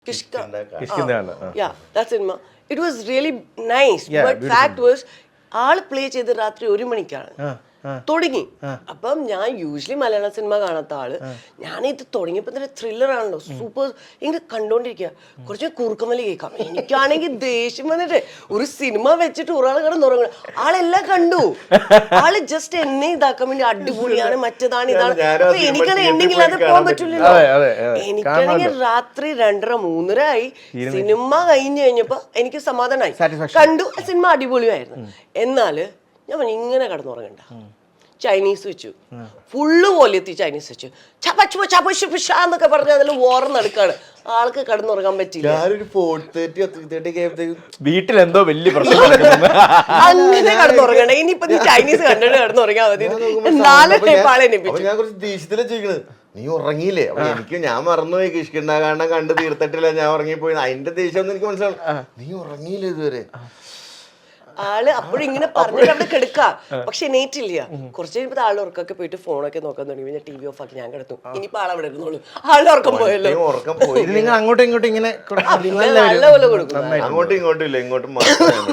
Kishkinda. Yeah, that's cinema. It was really nice. Yeah, but beautiful. Fact was, ആള് play ചെയ്ത് രാത്രി 1 മണിക്കാണ് തുടങ്ങി. അപ്പം ഞാൻ യൂഷ്വലി മലയാള സിനിമ കാണാത്ത ആള്, ഞാനിത് തുടങ്ങിയപ്പോ തന്നെ ത്രില്ലർ ആണല്ലോ, സൂപ്പർ. ഇങ്ങനെ കണ്ടോണ്ടിരിക്കുക, കുറച്ച് കുറുക്കമല്ലി കേൾക്കാം. എനിക്കാണെങ്കിൽ ദേഷ്യം വന്നിട്ട് ഒരു സിനിമ വെച്ചിട്ട് ഒരാൾ കിടന്നുറങ്ങണം. ആളെല്ലാം കണ്ടു, ആള് ജസ്റ്റ് എന്നെ ഇതാക്കാൻ വേണ്ടി അടിപൊളിയാണ്, മറ്റേതാണ്, ഇതാണ്. അപ്പൊ എനിക്കാണെങ്കിൽ എണ്ണെങ്കിൽ അത് പോകാൻ പറ്റില്ലല്ലോ. എനിക്കാണെങ്കിൽ രാത്രി 2:30 3:30 ആയി. സിനിമ കഴിഞ്ഞു കഴിഞ്ഞപ്പോ എനിക്ക് സമാധാനമായി, കണ്ടു, സിനിമ അടിപൊളിയായിരുന്നു. എന്നാല് ഞാൻ ഇങ്ങനെ കിടന്നുറങ്ങണ്ട, ചൈനീസ് വെച്ചു, ഫുള്ള് വോളിയത്തിൽ ചൈനീസ് വെച്ചു, എന്നൊക്കെ പറഞ്ഞ അതിൽ ഓർന്നെടുക്കാണ്. ആൾക്ക് കിടന്നുറങ്ങാൻ പറ്റില്ല. വീട്ടിൽ എന്തോ വലിയ പ്രശ്നം അങ്ങനെ കിടന്നുറങ്ങണ്ട. ഇനിയിപ്പൊ നീ ചൈനീസ് കണ്ടിട്ട് കിടന്നുറങ്ങാൻ മതി. നാളെ ആളെ നീ ഉറങ്ങിയില്ലേ? അപ്പൊ എനിക്ക് ഞാൻ മറന്നുപോയി, കിഷ്കിണ്ട കാരണം കണ്ട് തീർത്തിട്ടില്ല, ഞാൻ ഉറങ്ങിപ്പോയി. അതിന്റെ ദേഷ്യം ഒന്നും എനിക്ക് മനസ്സിലാവും. നീ ഉറങ്ങിയില്ല ഇതുവരെ. ആള് അപ്പോഴും ഇങ്ങനെ പറഞ്ഞിട്ട് അവിടെ കിടക്കാം, പക്ഷെ എണീറ്റില്ല. കുറച്ച് കഴിയുമ്പോൾ ആളുടെ ഉറക്കൊക്കെ പോയിട്ട് ഫോണൊക്കെ നോക്കാൻ തുടങ്ങി. ഞാൻ TV ഓഫ് ആക്കി ഞാൻ കിടന്നു. ഇനിയിപ്പോ ആളവിടെ ഇരുന്നോളൂ, ആളുടെ ഉറക്കം പോയല്ലോ. ഉറക്കം പോയി. നിങ്ങൾ അങ്ങോട്ടും ഇങ്ങോട്ടും ഇങ്ങനെ നല്ല പോലെ കൊടുക്കും. അങ്ങോട്ടും ഇങ്ങോട്ടും ഇല്ല, ഇങ്ങോട്ടും മാത്രം.